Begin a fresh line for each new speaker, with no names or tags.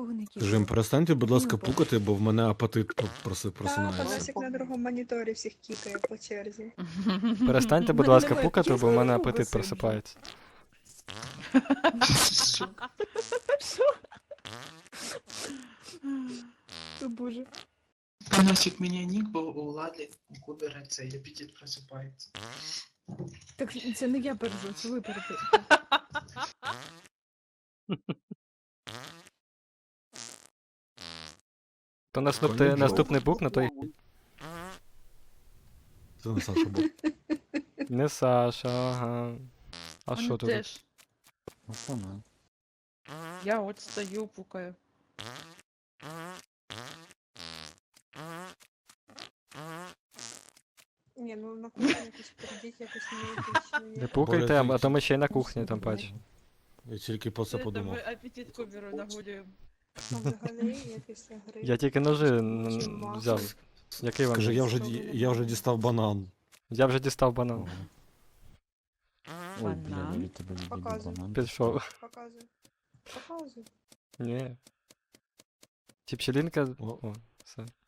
нікого не кікаю.
Жим, перестаньте, будь ласка,
Ні,
пукати, бо в мене апетит
Так,
просинається.
Панасик на другому моніторі всіх кікає по черзі.
Перестаньте, будь
Мене
ласка,
немає
пукати, бо в
чесного
мене
друга
апетит
сиджу.
просипається.
Що? О, Боже.
Панасик мені нік, бо у Лади у Кубера цей апетит просипається.
Так це не я пережу, це ви пережу.
То
Прикольний
наступний
джок.
бук на той.
Це не Саша був.
Не Саша, ага. А що тут?
Теж. Я от стою, пукаю.
Ні, ну на кухні якось прийдіть, якось не
Не пукайте, а то ми ще й на кухні там бачимо.
Я тільки про це подумав.
Ми апетит Куберу нагулюємо.
А взагалі я після гри.
Я тільки ножи
Чим
взяв. Який вам?
Скажи,
є?
я вже дістав банан.
Я вже дістав банан.
Ой, бля, я
Банан.
від тебе відійду
Показуй.
банан.
Пішов.
Показуй. Показуй.
Ні. Ті пчелінка.
О.
О, все.